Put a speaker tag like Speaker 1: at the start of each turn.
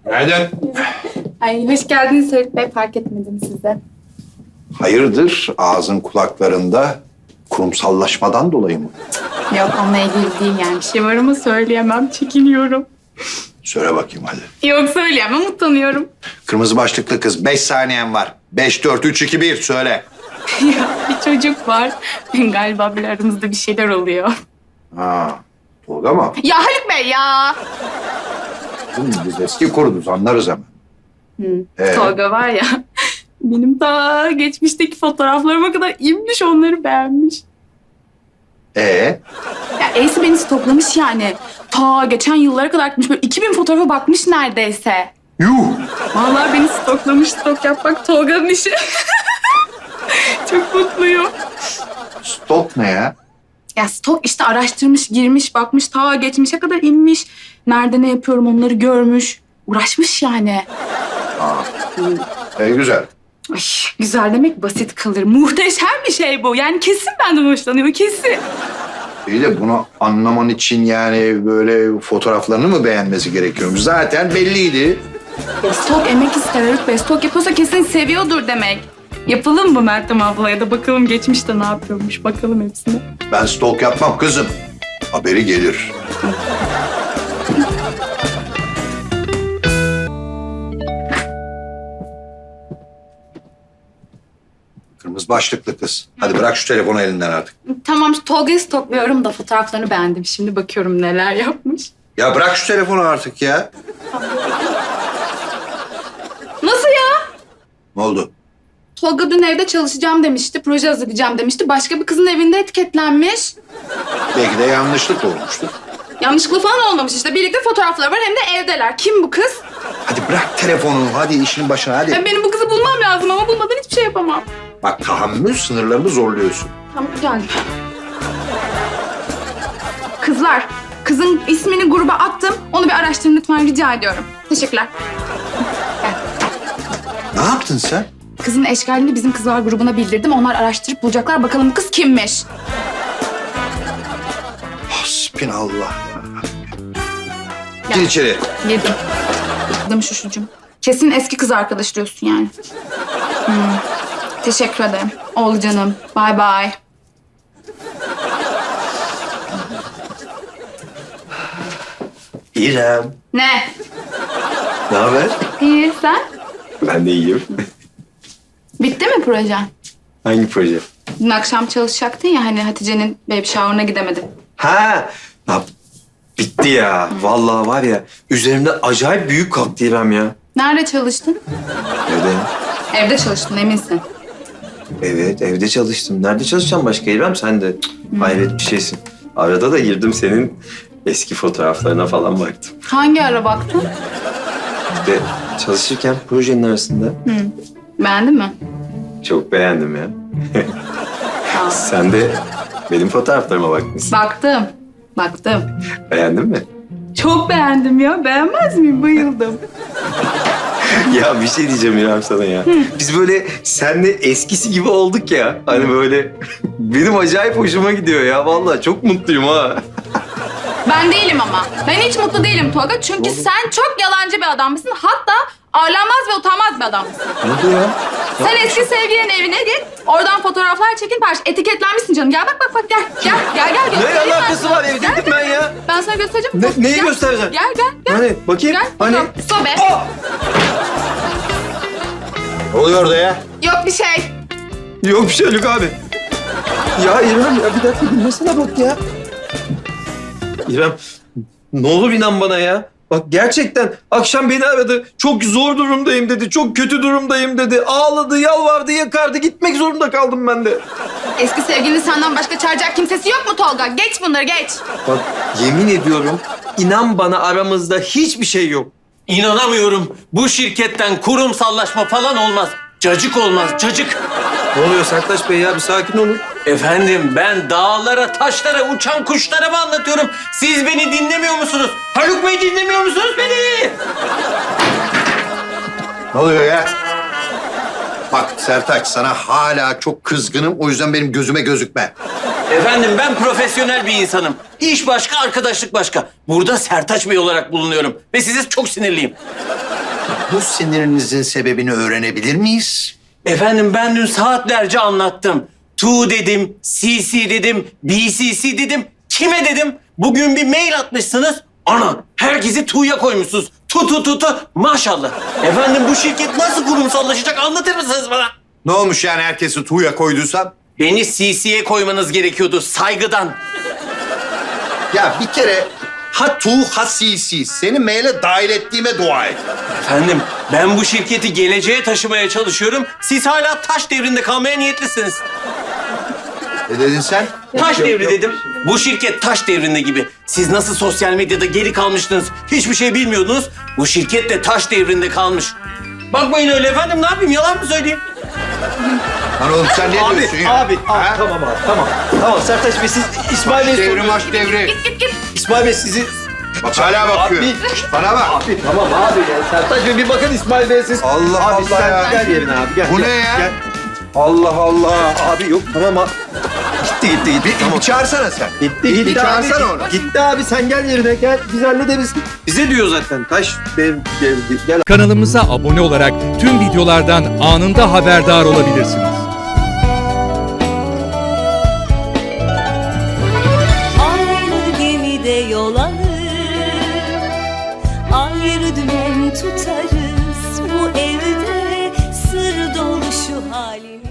Speaker 1: Günaydın.
Speaker 2: Ay hoş geldiniz Haluk Bey. Fark etmedim size.
Speaker 1: Hayırdır ağzın kulaklarında kurumsallaşmadan dolayı mı?
Speaker 2: Yok onunla ilgili değil yani. Bir şey var ama söyleyemem. Çekiniyorum.
Speaker 1: Söyle bakayım hadi.
Speaker 2: Yok söyleyemem. Utanıyorum.
Speaker 1: Kırmızı başlıklı kız 5 saniyen var. 5, 4, 3, 2, 1 söyle.
Speaker 2: Ya bir çocuk var. Galiba bir aramızda bir şeyler oluyor.
Speaker 1: Ha, Tolga mı?
Speaker 2: Ya Haluk Bey ya.
Speaker 1: Biz eski kuruduz anlarız hemen.
Speaker 2: Tolga var ya. Benim ta geçmişteki fotoğraflarıma kadar inmiş onları beğenmiş. Ya Ace beni stoklamış yani. Ta geçen yıllara kadar gitmiş. Böyle 2000 fotoğrafa bakmış neredeyse.
Speaker 1: Yuh!
Speaker 2: Vallahi beni stoklamış. Stok yapmak Tolga'nın işi. Çok mutluyum.
Speaker 1: Stok ne ya?
Speaker 2: Ya stok işte araştırmış, girmiş, bakmış, ta geçmişe kadar inmiş. Nerede ne yapıyorum onları görmüş. Uğraşmış yani.
Speaker 1: Güzel.
Speaker 2: Ay, güzel demek basit kalır. Muhteşem bir şey bu. Yani kesin benden hoşlanıyor, kesin.
Speaker 1: İyi de bunu anlaman için yani böyle fotoğraflarını mı beğenmesi gerekiyormuş? Zaten belliydi.
Speaker 2: Ya stok emek ister Haluk Bey. Stok yapıyorsa kesin seviyordur demek. Yapalım mı Meltem ablaya da bakalım geçmişte ne yapıyormuş. Bakalım hepsine.
Speaker 1: Ben stok yapmam kızım. Haberi gelir. Kırmızı başlıklı kız. Hadi bırak şu telefonu elinden artık.
Speaker 2: Tamam Tolga'yı stokluyorum da fotoğraflarını beğendim. Şimdi bakıyorum neler yapmış.
Speaker 1: Ya bırak şu telefonu artık ya.
Speaker 2: Nasıl ya?
Speaker 1: Ne oldu?
Speaker 2: Tolga dün evde çalışacağım demişti, proje hazırlayacağım demişti. Başka bir kızın evinde etiketlenmiş.
Speaker 1: Belki de yanlışlık olmuştur.
Speaker 2: Yanlışlıkla falan olmamış işte. Birlikte fotoğrafları var hem de evdeler. Kim bu kız?
Speaker 1: Hadi bırak telefonu. Hadi işin başına hadi.
Speaker 2: Benim bu kızı bulmam lazım ama bulmadan hiçbir şey yapamam.
Speaker 1: Bak tahammül sınırlarını zorluyorsun.
Speaker 2: Tamam gel. Kızlar, kızın ismini gruba attım. Onu bir araştırın lütfen rica ediyorum. Teşekkürler. Gel.
Speaker 1: Ne yaptın sen?
Speaker 2: Kızın eşkalini bizim kızlar grubuna bildirdim. Onlar araştırıp bulacaklar. Bakalım bu kız kimmiş?
Speaker 1: Hasbinallah. Gir içeri.
Speaker 2: Yedim. Yedim şuşucum. Kesin eski kız arkadaş diyorsun yani. Teşekkür ederim. Oldu canım. Bye bye.
Speaker 3: İrem,
Speaker 2: Ne?
Speaker 3: ne haber?
Speaker 2: İyi sen?
Speaker 3: Ben de iyiyim.
Speaker 2: Bitti mi projen?
Speaker 3: Hangi proje?
Speaker 2: Dün akşam çalışacaktın ya hani Hatice'nin baby shower'ına gidemedin.
Speaker 3: Ha, ya bitti ya. Vallahi var ya, üzerimde acayip büyük kalktı İrem ya.
Speaker 2: Nerede çalıştın?
Speaker 3: Evde.
Speaker 2: Evde çalıştın eminsin.
Speaker 3: Evet, evde çalıştım. Nerede çalışacağım başka İrem? Sen de hayret bir şeysin. Arada da girdim senin eski fotoğraflarına falan baktım.
Speaker 2: Hangi ara baktın?
Speaker 3: İşte çalışırken projenin arasında
Speaker 2: Beğendin mi?
Speaker 3: çok beğendim ya.
Speaker 2: Tamam.
Speaker 3: Sen de benim fotoğraflarıma bakmışsın.
Speaker 2: Baktım. Baktım.
Speaker 3: Beğendin mi?
Speaker 2: Çok beğendim ya. Beğenmez miyim? Bayıldım.
Speaker 3: Ya bir şey diyeceğim İrem sana ya. Biz böyle seninle eskisi gibi olduk ya. Hani böyle benim acayip hoşuma gidiyor ya. Vallahi çok mutluyum ha.
Speaker 2: Ben değilim ama. Ben hiç mutlu değilim Tolga. Çünkü sen çok yalancı bir adammışsın. Hatta ağırlanmaz ve utanmaz bir adammışsın.
Speaker 3: Ne oldu ya?
Speaker 2: Sen eski sevgilinin evine git. Oradan fotoğraflar çekin. Etiketlenmişsin canım. Gel bak gel. Gel.
Speaker 3: Ne
Speaker 2: göstereyim ben
Speaker 3: alakası
Speaker 2: sana.
Speaker 3: var? Evdeydim ben ya.
Speaker 2: Ben sana göstereceğim.
Speaker 3: Neyi
Speaker 2: Gel.
Speaker 3: göstereceğim?
Speaker 2: Gel.
Speaker 3: Hani bakayım.
Speaker 2: Gel.
Speaker 3: Hani?
Speaker 2: Bakalım. Sobe.
Speaker 1: Ne oluyor orada ya?
Speaker 2: Yok bir şey.
Speaker 3: Yok bir şey Haluk abi. Ya İrem ya bir dakika dinlesene bak ya. İrem ne olur inan bana ya. Bak gerçekten akşam beni aradı. Çok zor durumdayım dedi. Çok kötü durumdayım dedi. Ağladı, yalvardı, yakardı. Gitmek zorunda kaldım ben de.
Speaker 2: Eski sevgilinin senden başka çağıracak kimsesi yok mu Tolga? Geç bunları geç.
Speaker 3: Bak yemin ediyorum inan bana aramızda hiçbir şey yok.
Speaker 4: İnanamıyorum. Bu şirketten kurumsallaşma falan olmaz. Cacık olmaz, cacık.
Speaker 3: Ne oluyor Sertaç Bey ya bir sakin olun.
Speaker 4: Efendim ben dağlara, taşlara, uçan kuşlara mı anlatıyorum? Siz beni dinlemiyor musunuz? Haluk Bey dinlemiyor musunuz beni?
Speaker 1: Ne oluyor ya? Bak Sertaç sana hala çok kızgınım. O yüzden benim gözüme gözükme.
Speaker 4: Efendim ben profesyonel bir insanım. İş başka, arkadaşlık başka. Burada Sertaç Bey olarak bulunuyorum. Ve size çok sinirliyim.
Speaker 1: Bu sinirinizin sebebini öğrenebilir miyiz?
Speaker 4: Efendim ben dün saatlerce anlattım. Tu dedim, CC dedim, BCC dedim. Kime dedim? Bugün bir mail atmışsınız. Ana herkesi Tu'ya koymuşsunuz. Tu. Maşallah. Efendim bu şirket nasıl kurumsallaşacak anlatır mısınız bana?
Speaker 1: Ne olmuş yani herkesi tuğya koyduysan?
Speaker 4: Beni CC'ye koymanız gerekiyordu saygıdan.
Speaker 1: Ya bir kere ha tu ha CC. Seni maile dahil ettiğime dua et.
Speaker 4: Efendim ben bu şirketi geleceğe taşımaya çalışıyorum. Siz hala taş devrinde kalmaya niyetlisiniz.
Speaker 1: Ne dedin sen?
Speaker 4: Taş devri dedim. Bu şirket taş devrinde gibi. Siz nasıl sosyal medyada geri kalmıştınız, hiçbir şey bilmiyordunuz. Bu şirket de taş devrinde kalmış. Bakmayın öyle efendim, ne yapayım, yalan mı söyleyeyim?
Speaker 1: Lan oğlum sen ne diyorsun ya?
Speaker 3: Abi,
Speaker 1: Ha?
Speaker 3: tamam abi, tamam. Tamam Sertaç Bey siz İsmail Bey
Speaker 1: Devri maç devri.
Speaker 3: İsmail Bey sizi...
Speaker 1: Bak hala bakıyor.
Speaker 3: Abi.
Speaker 1: Bana bak.
Speaker 3: Abi tamam abi ya. Sertaç Bey bir bakın İsmail Bey siz.
Speaker 1: Allah
Speaker 3: abi,
Speaker 1: Allah
Speaker 3: sen
Speaker 1: ya.
Speaker 3: Gel yerine abi gel.
Speaker 1: Bu
Speaker 3: gel,
Speaker 1: ne ya?
Speaker 3: Gel. Allah Allah. Abi yok tamam abi. Gitti.
Speaker 1: Bir,
Speaker 3: Tamam.
Speaker 1: bir çağırsana sen.
Speaker 3: Gitti
Speaker 1: Bir çağırsana
Speaker 3: abi.
Speaker 1: onu.
Speaker 3: Gitti abi sen gel yerine gel. Biz hallederiz. Bize diyor zaten. Taş dev gel.
Speaker 5: Kanalımıza abone olarak tüm videolardan anında haberdar olabilirsiniz.
Speaker 6: Aynı gemide yol alır, ayrı dümen tutarız. Bu evde sır dolu şu halimiz.